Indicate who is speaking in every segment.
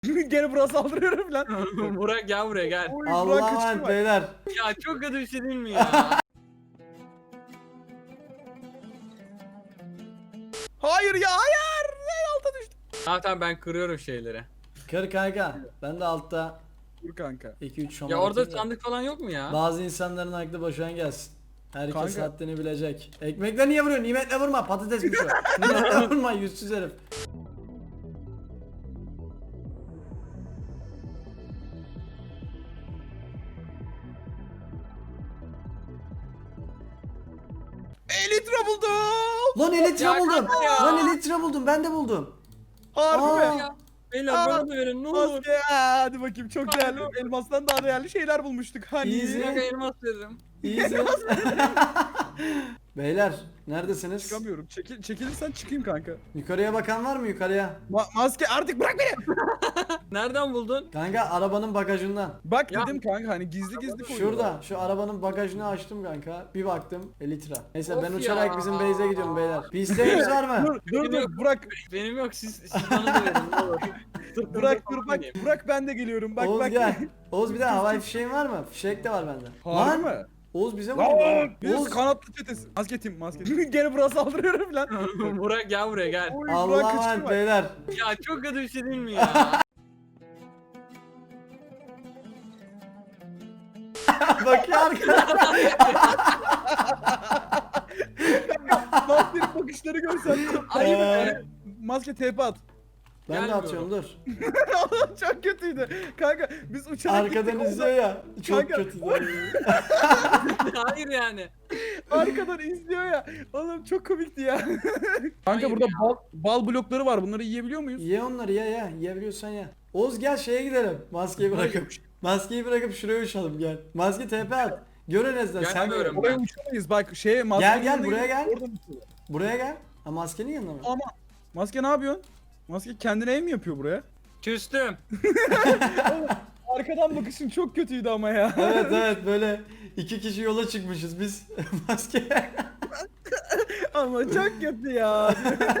Speaker 1: Gene bura saldırıyorum lan.
Speaker 2: Burak gel buraya gel.
Speaker 1: Oy, Burak
Speaker 3: Allah'ım
Speaker 1: kaçırma.
Speaker 3: beyler.
Speaker 2: Ya çok kötü bir şey değil mi ya?
Speaker 1: Hayır ya hayır. En alta düştüm.
Speaker 2: Tamam ben kırıyorum şeyleri.
Speaker 3: Kır kanka. Ben de altta
Speaker 1: Dur kanka.
Speaker 3: 2-3 şomar
Speaker 2: Ya orada
Speaker 3: atayım da.
Speaker 2: sandık falan yok mu ya?
Speaker 3: Bazı insanların aklı boşuna gelsin. Herkes
Speaker 1: Kanka.
Speaker 3: haddini bilecek. Ekmekle niye vuruyorsun? Nimetle vurma. Patatesmiş o. Nimetle vurma yüzsüz herif.
Speaker 1: Elytra buldum.
Speaker 3: Lan elytra
Speaker 2: Ya
Speaker 3: buldum.
Speaker 2: kanka ya.
Speaker 3: Lan elytra buldum. Ben de buldum.
Speaker 1: Harbi
Speaker 3: Aa.
Speaker 1: mi?
Speaker 2: Ya, beyler
Speaker 1: Aa,
Speaker 2: bana da verin ne olur.
Speaker 1: Maske. Hadi bakayım çok değerli. Elmastan daha değerli şeyler bulmuştuk. Hani.
Speaker 3: Easy.
Speaker 2: Bir dakika elmas veririm.
Speaker 3: İyiyiz. Beyler neredesiniz?
Speaker 1: Çıkamıyorum. Çekilirsen çıkayım kanka.
Speaker 3: Yukarıya bakan var mı yukarıya?
Speaker 1: Maske artık bırak beni.
Speaker 2: Nereden buldun?
Speaker 3: Kanka arabanın bagajından.
Speaker 1: Bak
Speaker 2: Ya.
Speaker 1: dedim kanka hani gizli gizli koyuyorlar.
Speaker 3: Şurada şu arabanın bagajını açtım kanka. Bir baktım elytra. Neyse ben
Speaker 2: Of
Speaker 3: uçarak
Speaker 2: ya.
Speaker 3: bizim base'e gidiyorum beyler. Bir isteğiniz var mı?
Speaker 1: Dur Burak.
Speaker 2: Benim yok siz bana da verin ne olur.
Speaker 1: Burak dur bak. Burak ben de geliyorum. Bak
Speaker 3: Oğuz
Speaker 1: bak.
Speaker 3: gel. Oğuz bir de havai fişeğin var mı? Fişek de var bende.
Speaker 1: Harbi
Speaker 3: Lan
Speaker 1: mi?
Speaker 3: Oğuz bize
Speaker 1: Lan
Speaker 3: vurdu.
Speaker 1: biz
Speaker 3: Oğuz.
Speaker 1: kanatlı çetesi. Maske tim. Gene bura saldırıyorum lan.
Speaker 2: Burak gel buraya gel.
Speaker 1: Oy, Burak
Speaker 3: Allah'ım
Speaker 1: kaçırma.
Speaker 3: beyler.
Speaker 2: Ya çok kötü bir şey değil mi ya?
Speaker 3: Bakıyor arkadaşlar.
Speaker 1: Maskenin bakışları görsen.
Speaker 2: Ayıp
Speaker 3: Ee,
Speaker 2: be.
Speaker 1: Maske TP at.
Speaker 3: Ben de
Speaker 2: Gelmiyorum.
Speaker 3: atıyorum dur.
Speaker 1: Çok kötüydü. Kanka biz uçarak
Speaker 3: Arkadan
Speaker 1: gittik,
Speaker 3: izliyor ya. Çok
Speaker 1: Kanka.
Speaker 3: kötü.
Speaker 2: Hayır yani.
Speaker 1: Arkadan izliyor ya. Oğlum çok komikti ya. Kanka
Speaker 2: Hayır
Speaker 1: burada
Speaker 2: ya.
Speaker 1: bal blokları var. Bunları yiyebiliyor muyuz?
Speaker 3: Ye onları ye. Yiyebiliyorsan ye. Oğuz gel şeye gidelim. Maskeyi bırakıp. Maskeyi bırakıp şuraya uçalım gel. Maske TP at. Gör en azından sen
Speaker 2: Gelmiyorum.
Speaker 3: gör.
Speaker 1: Oraya uçamayız. Bak şeye maskenin
Speaker 3: Gel,
Speaker 1: yanına
Speaker 3: buraya
Speaker 1: gidip
Speaker 3: gel.
Speaker 1: oradan uçuyorlar.
Speaker 3: Buraya gel. Ha maskenin yanına mı?
Speaker 1: Ama maske ne yapıyorsun? Maske kendine ev mi yapıyor buraya?
Speaker 2: Küstüm.
Speaker 1: Arkadan bakışın çok kötüydü ama ya.
Speaker 3: Evet böyle iki kişi yola çıkmışız biz. Maske.
Speaker 1: Ama çok kötü ya.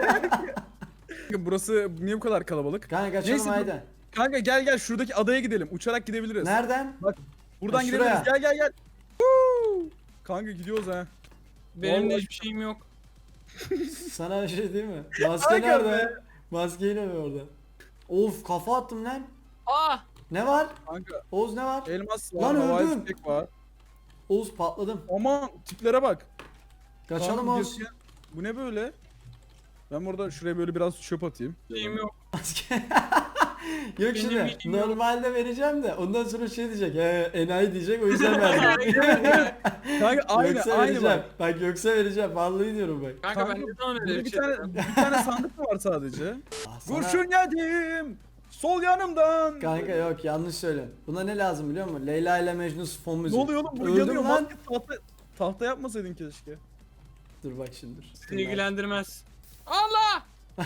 Speaker 1: Burası niye bu kadar kalabalık?
Speaker 3: Kanka kaçalım
Speaker 1: Neyse,
Speaker 3: haydi.
Speaker 1: Kanka gel şuradaki adaya gidelim. Uçarak gidebiliriz.
Speaker 3: Nereden?
Speaker 1: Buradan
Speaker 3: Ha,
Speaker 1: gidebiliriz.
Speaker 3: şuraya.
Speaker 1: Gel. Woo! Kanka gidiyoruz ha.
Speaker 2: Benim de
Speaker 1: Vallahi-
Speaker 2: hiçbir şeyim yok.
Speaker 3: Sana bir şey değil mi? Maske
Speaker 1: Kanka
Speaker 3: nerede?
Speaker 1: be.
Speaker 3: Maske yine mi orada? Of kafa attım lan.
Speaker 2: Aa!
Speaker 3: Ne var?
Speaker 1: Kanka
Speaker 3: Oğuz ne var?
Speaker 1: elmas var,
Speaker 3: Lan
Speaker 1: havai
Speaker 3: öldüm.
Speaker 1: fişek var.
Speaker 3: Oğuz patladım.
Speaker 1: Aman tiplere bak.
Speaker 3: Kaçalım
Speaker 1: Kanka,
Speaker 3: Oğuz.
Speaker 1: Bu ne böyle? Ben burada şuraya böyle biraz çöp atayım.
Speaker 2: Şeyim yok.
Speaker 3: Maske. Yok şimdi
Speaker 2: bilgim yok.
Speaker 3: normalde vereceğim de ondan sonra şey diyecek. Enayi diyecek o yüzden verdim.
Speaker 1: Kanka aynı
Speaker 3: yoksa
Speaker 1: aynı
Speaker 3: vereceğim.
Speaker 1: bak.
Speaker 3: Bak yoksa vereceğim. Vallahi diyorum bak.
Speaker 2: Kanka ben
Speaker 1: Kanka,
Speaker 2: ne zaman
Speaker 1: Burada
Speaker 2: öyle
Speaker 1: bir
Speaker 2: bir şey
Speaker 1: tane
Speaker 2: dedim?
Speaker 1: bir tane sandık mı var sadece?
Speaker 3: Ah, sana-
Speaker 1: Kurşun yedim. Sol yanımdan.
Speaker 3: Kanka yok yanlış söyle. Buna ne lazım biliyor musun? Leyla ile Mecnun fon
Speaker 1: Ne
Speaker 3: müziği.
Speaker 1: oluyor oğlum? Bu
Speaker 3: Öldüm
Speaker 1: yanıyor.
Speaker 3: lan.
Speaker 1: Maske tahta yapmasaydın keşke.
Speaker 3: Dur bak şimdi.
Speaker 2: Seni ilgilendirmez. Allah!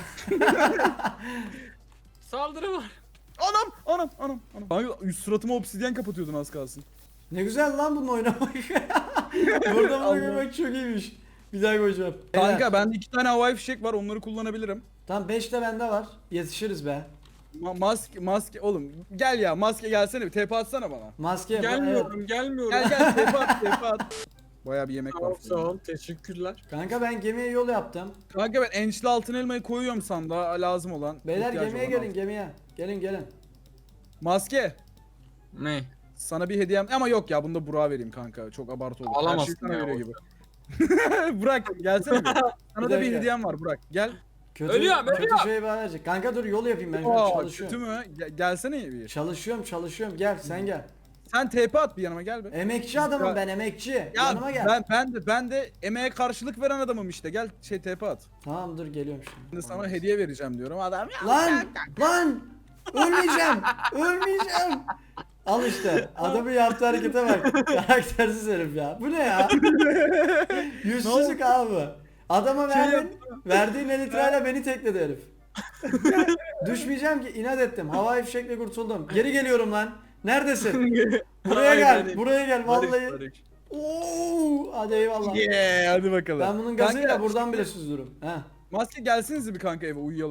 Speaker 2: Saldırı var.
Speaker 1: Anam. Kanka suratıma obsidyen kapatıyordun az kalsın.
Speaker 3: Ne güzel lan bununla oynamak. Burada bunu
Speaker 1: Allah.
Speaker 3: görmek çok iyiymiş. Bir daha koyacağım.
Speaker 1: Kanka bende 2 tane havai fişek var, onları kullanabilirim.
Speaker 3: Tam 5 de bende var. Yetişiriz be.
Speaker 1: Maske oğlum gel ya, maske gelsene bir TP atsana bana.
Speaker 3: Maske
Speaker 2: Gelmiyorum, gelmiyorum.
Speaker 1: Gel TP at. Baya bir yemek var.
Speaker 2: Sağ ol, teşekkürler.
Speaker 3: Kanka ben gemiye yol yaptım.
Speaker 1: Kanka ben ençli altın elmayı koyuyorum sandığa, lazım olan.
Speaker 3: Beyler
Speaker 1: ihtiyacı
Speaker 3: gemiye
Speaker 1: olan
Speaker 3: gelin
Speaker 1: al.
Speaker 3: gemiye. Gelin.
Speaker 1: Maske.
Speaker 2: Ne?
Speaker 1: Sana bir hediyem ama yok ya, bunu da Burak'a vereyim kanka. Çok abartı olur.
Speaker 2: Alamazsın
Speaker 1: Her şeyi sana
Speaker 2: ya,
Speaker 1: veriyor gibi. Burak gelsene bir. Sana da bir
Speaker 3: dakika.
Speaker 1: hediyem var Burak. Gel.
Speaker 3: Kötü,
Speaker 2: Ölüyorum.
Speaker 3: kötü şey bana verecek. Kanka dur yol yapayım ben şu an
Speaker 1: Aa,
Speaker 3: çalışıyorum.
Speaker 1: kötü mü? Gelsene bir.
Speaker 3: Çalışıyorum. Gel sen gel.
Speaker 1: Sen TP at bir yanıma, gel be.
Speaker 3: Emekçi adamım
Speaker 1: Ya-
Speaker 3: ben emekçi.
Speaker 1: Ya
Speaker 3: Yanıma gel.
Speaker 1: ben de emeğe karşılık veren adamım işte. Gel TP at.
Speaker 3: Tamam dur geliyorum şimdi.
Speaker 1: Şimdi sana hediye vereceğim diyorum. Adam ya.
Speaker 3: Lan! Ölmeyeceğim. Al işte. Adamın yaptığı harekete bak. Karaktersiz herif ya. Bu ne ya? Yüzsüzlük abi. Adama verdiğin elitrayla beni tekledi herif. Düşmeyeceğim ki inat ettim. Havai fişekle kurtuldum. Geri geliyorum lan. Neredesin? Buraya gel. Buraya gel vallahi. Oo, hadi eyvallah.
Speaker 1: Yeah, hadi bakalım.
Speaker 3: Ben bunun gazıyla
Speaker 1: Kanka,
Speaker 3: buradan bile süzdürürüm. Heh.
Speaker 1: Maske gelsiniz bir kanka eve uyuyalım.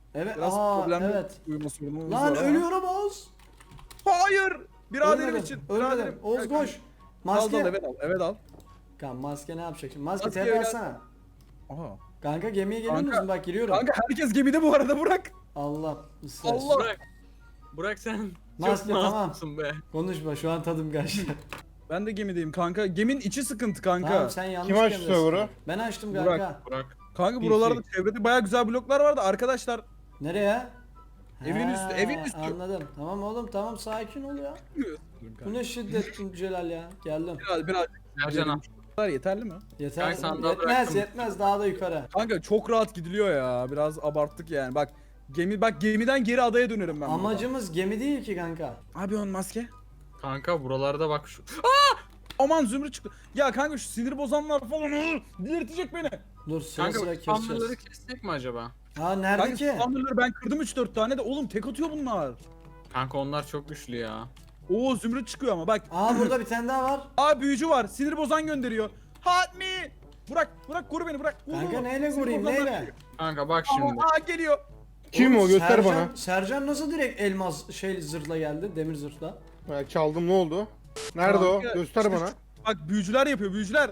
Speaker 3: Evet.
Speaker 1: Biraz
Speaker 3: Aa
Speaker 1: problemli
Speaker 3: evet.
Speaker 1: uyuma sorunumuz
Speaker 3: Lan
Speaker 1: var ama.
Speaker 3: ölüyorum Oğuz.
Speaker 1: Hayır. Biraderim
Speaker 3: Ölmedim,
Speaker 1: için.
Speaker 3: Ölmedim.
Speaker 1: Biraderim.
Speaker 3: Oğuz
Speaker 1: Gel kanka.
Speaker 3: koş.
Speaker 1: Al
Speaker 3: Maske.
Speaker 1: evet al. Evet al.
Speaker 3: Kanka maske ne yapacak şimdi? Maske
Speaker 1: Maske
Speaker 3: TP
Speaker 1: öyle-
Speaker 3: atsana.
Speaker 1: Aha.
Speaker 3: Kanka gemiye geliyor
Speaker 1: Kanka-
Speaker 3: musun? Bak giriyorum.
Speaker 1: Kanka herkes gemide bu arada bırak.
Speaker 3: Allah ısrar.
Speaker 1: Allah.
Speaker 2: Burak sen
Speaker 3: Maske,
Speaker 2: çok
Speaker 3: tamam.
Speaker 2: masumsun be.
Speaker 3: Konuşma şu an tadım kaçtı.
Speaker 1: Ben de gemideyim kanka. Geminin içi sıkıntı kanka.
Speaker 3: Tamam sen yanlış
Speaker 4: Kim açtı
Speaker 3: gemidesin.
Speaker 4: server'ı?
Speaker 3: Ben açtım
Speaker 1: Burak.
Speaker 3: kanka.
Speaker 2: Burak.
Speaker 1: Kanka buralarda çevrede baya güzel bloklar vardı arkadaşlar.
Speaker 3: Nereye?
Speaker 1: Evin üstü, evin üstü.
Speaker 3: Anladım. Tamam oğlum tamam sakin ol ya. Bu ne şiddet Celal ya. Geldim.
Speaker 1: Biraz
Speaker 2: Sercan al.
Speaker 1: Bunlar yeterli mi?
Speaker 3: Yeter.
Speaker 2: Ben sandığa
Speaker 3: Yetmez
Speaker 2: bıraktım.
Speaker 3: yetmez daha da yukarı.
Speaker 1: Kanka çok rahat gidiliyor ya. Biraz abarttık yani. Bak gemiden geri adaya dönerim ben.
Speaker 3: Amacımız gemi değil ki kanka.
Speaker 1: burada. Abi on maske.
Speaker 2: Kanka buralarda bak şu.
Speaker 1: Aman zümrüt çıktı. Ya kanka şu sinir bozanlar falan delirtecek beni.
Speaker 3: Dur sıra
Speaker 2: Kanka
Speaker 3: sıra
Speaker 2: bu spamları
Speaker 3: keseceğiz.
Speaker 2: kessek mi acaba?
Speaker 3: Ha nerede
Speaker 1: Kanka
Speaker 3: ki?
Speaker 1: spawnerları ben kırdım 3-4 tane de oğlum tek atıyor bunlar.
Speaker 2: Kanka onlar çok güçlü ya.
Speaker 1: Oo zümrüt çıkıyor ama bak.
Speaker 3: Aa burada bir tane daha var.
Speaker 1: Aa büyücü var. Sinir bozan gönderiyor. Help me. Bırak koru beni bırak.
Speaker 3: Kanka neyle
Speaker 1: Sinir
Speaker 3: vurayım
Speaker 1: bozanlar
Speaker 3: neyle?
Speaker 1: geliyor.
Speaker 2: Kanka bak
Speaker 1: Aa,
Speaker 2: şimdi.
Speaker 1: aa geliyor.
Speaker 4: Kim
Speaker 3: Oğlum,
Speaker 4: o göster
Speaker 3: Sercan,
Speaker 4: bana.
Speaker 3: Sercan nasıl direkt elmas zırhla geldi? Demir zırhla.
Speaker 4: Ha, çaldım ne oldu? Nerede
Speaker 1: Kanka,
Speaker 4: o? Göster
Speaker 1: işte
Speaker 4: bana.
Speaker 1: Bak büyücüler yapıyor büyücüler.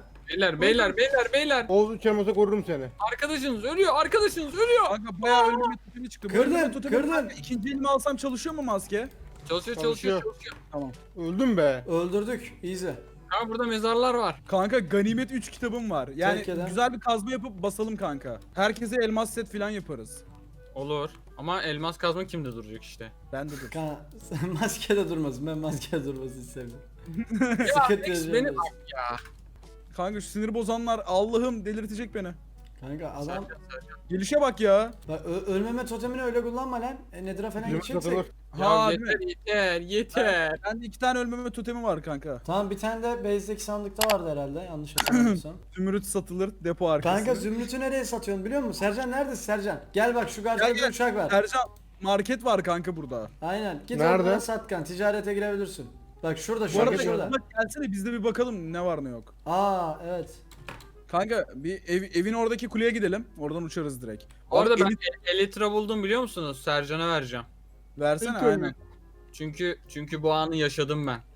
Speaker 2: Beyler.
Speaker 4: Oğuz uçarmasa korurum seni.
Speaker 2: Arkadaşınız ölüyor.
Speaker 1: Kanka bayağı ölmeme totemi çıktı. Bu
Speaker 3: Kırdın,
Speaker 1: ölmeme totemi-
Speaker 3: kırdın.
Speaker 1: Kanka, İkinci elimi alsam çalışıyor mu maske?
Speaker 2: Çalışıyor.
Speaker 1: Tamam.
Speaker 4: Öldüm be.
Speaker 3: Öldürdük. Easy.
Speaker 2: Kanka burada mezarlar var.
Speaker 1: Kanka ganimet 3 kitabım var. Yani
Speaker 3: Tebrik ederim.
Speaker 1: güzel bir kazma yapıp basalım kanka. Herkese elmas set falan yaparız.
Speaker 2: Olur. Ama elmas kazma kimde duracak işte.
Speaker 1: Ben de dur.
Speaker 3: Kanka sen maskede durmasın. Ben maskede durmasını istemiyorum.
Speaker 2: Ya
Speaker 3: Sıkıntı
Speaker 2: Rex beni
Speaker 3: yaşayacağız.
Speaker 2: bak ya.
Speaker 1: Kanka şu sinir bozanlar Allah'ım delirtecek beni.
Speaker 3: Kanka adam
Speaker 2: Sercan.
Speaker 1: Gelişe bak ya.
Speaker 3: bak, ölmeme totemini öyle kullanma lan. Nedir'a falan
Speaker 4: Bizim
Speaker 3: gideceksek.
Speaker 4: satılır.
Speaker 1: Ha,
Speaker 2: Ya
Speaker 1: değil mi?
Speaker 2: yeter.
Speaker 1: Ben de 2 tane ölmeme totemi var kanka.
Speaker 3: Tamam bir tane de base'deki sandıkta vardı herhalde yanlış hatırlamıyorsam.
Speaker 1: Zümrüt satılır depo arkası.
Speaker 3: Kanka Zümrüt'ü nereye satıyorsun biliyor musun? Sercan neredesin Sercan? Gel bak şu
Speaker 1: Gel,
Speaker 3: karşıda
Speaker 1: gel.
Speaker 3: bir uçak var.
Speaker 1: Ercan market var kanka burada.
Speaker 3: Aynen. Git
Speaker 4: Nerede?
Speaker 3: oradan sat kan. Ticarete girebilirsin. Bak şurada
Speaker 1: Bu
Speaker 3: şurada
Speaker 1: arada
Speaker 3: şurada.
Speaker 1: bak gelsene biz de bir bakalım ne var ne yok.
Speaker 3: Aa evet.
Speaker 1: Kanka bir evin oradaki kuleye gidelim. Oradan uçarız direkt.
Speaker 2: Orada
Speaker 1: Abi,
Speaker 2: ben Elytra buldum biliyor musunuz? Sercan'a vereceğim.
Speaker 1: versene
Speaker 4: İlk
Speaker 1: aynen.
Speaker 2: Çünkü bu anı yaşadım ben.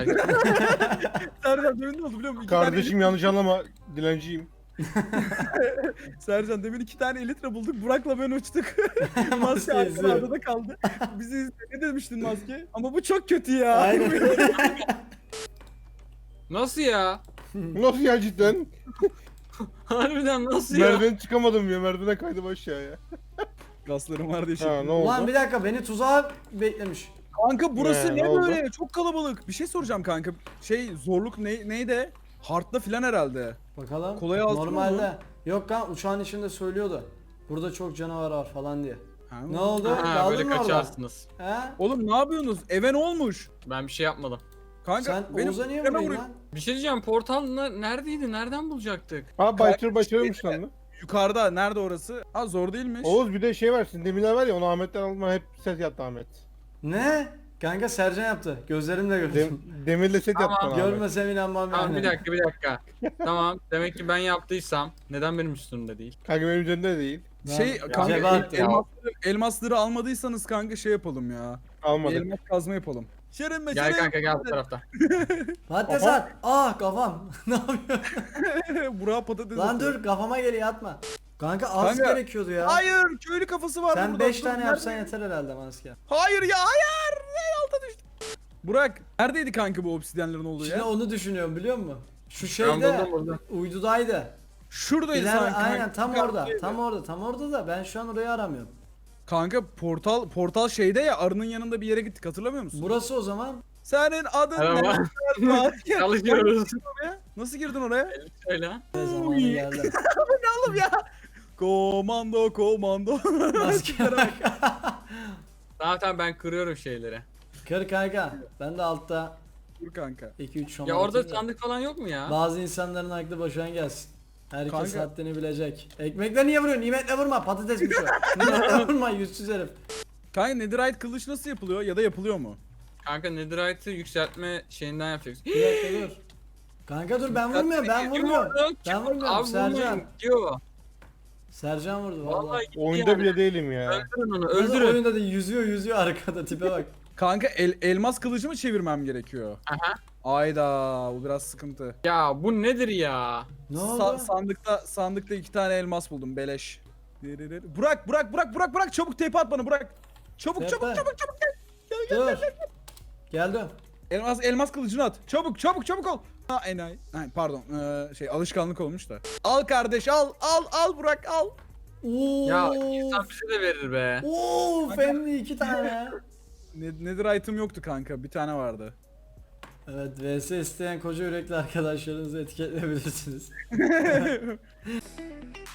Speaker 1: Sercan demin ne oldu biliyor musun? İki tane
Speaker 4: Kardeşim yanlış anlama. Dilenciyim.
Speaker 1: Sercan demin 2 tane elitre bulduk. Burak'la ben uçtuk. maske
Speaker 3: Maske
Speaker 1: arkada
Speaker 3: izliyor.
Speaker 1: adada kaldı. Bizi ne demiştin maske? Ama bu çok kötü ya.
Speaker 3: Aynen.
Speaker 2: Nasıl ya?
Speaker 4: Nasıl ya cidden?
Speaker 2: Harbiden nasıl ya?
Speaker 4: Merdiven çıkamadım ya. Merdivene kaydım aşağıya.
Speaker 1: Gaslarım var diye
Speaker 4: Ha
Speaker 1: şey.
Speaker 4: ne oldu?
Speaker 3: Ulan bir dakika beni tuzağa beklemiş.
Speaker 1: Kanka burası
Speaker 4: Ne
Speaker 1: ne
Speaker 4: oldu?
Speaker 1: böyle? Çok kalabalık. Bir şey soracağım kanka. Zorluk neydi? Hard'da filan herhalde.
Speaker 3: Bakalım.
Speaker 1: Kolay altın
Speaker 3: Normalde. Yok kan uçağın içinde söylüyordu. Burada çok canavar var falan diye.
Speaker 1: Ha,
Speaker 3: Ne oldu?
Speaker 2: Ha,
Speaker 3: Kaldın
Speaker 2: böyle
Speaker 3: mı orada?
Speaker 2: kaçarsınız.
Speaker 3: He?
Speaker 1: Oğlum ne yapıyorsunuz? Eve ne olmuş?
Speaker 2: Ben bir şey yapmadım.
Speaker 1: Kanka
Speaker 3: Sen
Speaker 1: benim
Speaker 3: Oğuz'a niye
Speaker 1: evime
Speaker 3: vuruyorsun
Speaker 1: vuruyor.
Speaker 3: lan?
Speaker 2: Bir şey diyeceğim portal neredeydi? Nereden bulacaktık?
Speaker 4: Ha başarılmış lan. lan.
Speaker 1: Yukarıda nerede orası? Ha zor değilmiş.
Speaker 4: Oğuz bir de şey var. Sizin demirler var ya onu Ahmet'ten aldım. Hep set yaptı Ahmet.
Speaker 3: Ne? Kanka Sercan yaptı. Gözlerimle gördüm.
Speaker 4: Demirle set
Speaker 2: Tamam,
Speaker 4: yaptı bana Ahmet.
Speaker 3: Görmesem inanmam
Speaker 2: Tamam
Speaker 3: yani.
Speaker 2: bir dakika. Tamam demek ki ben yaptıysam neden benim üstümde değil?
Speaker 4: Kanka benim üzerimde de değil.
Speaker 1: Kanka
Speaker 3: Cebe attı.
Speaker 1: elmasları almadıysanız kanka şey yapalım ya. Bir
Speaker 4: Almadık.
Speaker 1: elmas kazma yapalım. Şerem
Speaker 2: Gel kanka gel bu tarafta.
Speaker 3: Patates
Speaker 4: Aha.
Speaker 3: at. Ah kafam. Ne yapıyorsun?
Speaker 1: Burak'a patates
Speaker 3: Lan
Speaker 1: atıyor.
Speaker 3: dur kafama geliyor atma. Kanka az
Speaker 1: Kanka,
Speaker 3: gerekiyordu ya.
Speaker 1: Hayır köylü kafası var
Speaker 3: Sen
Speaker 1: burada.
Speaker 3: 5
Speaker 1: Dur,
Speaker 3: tane
Speaker 1: nerede?
Speaker 3: yapsan yeter herhalde maske.
Speaker 1: Hayır ya hayır. En alta düştü. Burak neredeydi kanka bu obsidyenlerin olduğu
Speaker 3: Şimdi
Speaker 1: yer?
Speaker 3: onu düşünüyorum biliyor musun? Şu
Speaker 2: Ben
Speaker 3: şeyde
Speaker 2: buldum.
Speaker 3: uydudaydı.
Speaker 1: Şuradaydı
Speaker 3: İleride
Speaker 1: sanki.
Speaker 3: aynen tam
Speaker 1: Kanka,
Speaker 3: orada. Tam orada da ben şu an orayı aramıyorum.
Speaker 1: Kanka portal şeyde ya arının yanında bir yere gittik hatırlamıyor musun?
Speaker 3: Burası o zaman.
Speaker 1: Senin adın
Speaker 2: Merhaba.
Speaker 1: ne?
Speaker 2: Çalışıyoruz.
Speaker 1: Nasıl girdin oraya?
Speaker 2: Söyle.
Speaker 3: Ne zamanı geldi.
Speaker 1: Oğlum ya. Komando.
Speaker 3: Maske bak.
Speaker 2: Tamam ben kırıyorum şeyleri.
Speaker 3: Kır kanka. Ben de altta
Speaker 1: Dur kanka.
Speaker 3: 2-3 şoman
Speaker 2: Ya orada
Speaker 3: atayım da.
Speaker 2: sandık falan yok mu ya?
Speaker 3: Bazı insanların aklı boşuna gelsin. Herkes
Speaker 1: Kanka.
Speaker 3: haddini bilecek. Ekmekle niye vuruyorsun? Nimetle vurma. Patatesmiş o. Nimetle vurma yüzsüz herif.
Speaker 1: Kanka netherite kılıç nasıl yapılıyor ya da yapılıyor mu?
Speaker 2: Kanka netherite'ı yükseltme şeyinden yapacaksın.
Speaker 3: Bir dakika dur. Kanka dur ben vurmuyorum. Ben
Speaker 2: Kim
Speaker 3: vurmuyorum.
Speaker 2: vurdu?
Speaker 3: Ben vurmuyorum
Speaker 2: Abi
Speaker 3: Sercan.
Speaker 2: vurmayın diyor.
Speaker 3: Sercan vurdu vallahi.
Speaker 2: Vallahi gitti
Speaker 4: Oyunda
Speaker 2: yani.
Speaker 4: bile değilim ya.
Speaker 2: Öldürün onu,
Speaker 3: Nasıl
Speaker 2: öldürün.
Speaker 3: oyunda değil, yüzüyor arkada, tipe bak.
Speaker 1: Kanka elmas kılıcı mı çevirmem gerekiyor?
Speaker 2: Aha.
Speaker 1: Ayda bu biraz sıkıntı.
Speaker 2: Ya bu nedir ya?
Speaker 3: Ne oldu?
Speaker 1: Sandıkta 2 tane elmas buldum beleş. Burak çabuk tepe at bana Burak. Çabuk
Speaker 3: Tepe.
Speaker 1: çabuk gel.
Speaker 3: Dur. Geldim.
Speaker 1: Elmas kılıcını at. Çabuk ol. Ha enayi. Ha, pardon. Alışkanlık olmuş da. Al kardeş al Burak al.
Speaker 3: Oo.
Speaker 2: Ya insan bize de verir be.
Speaker 3: Oo, family 2 tane.
Speaker 1: Nedir item yoktu kanka. Bir tane vardı.
Speaker 3: Evet, vs isteyen koca yürekli arkadaşlarınızı etiketleyebilirsiniz.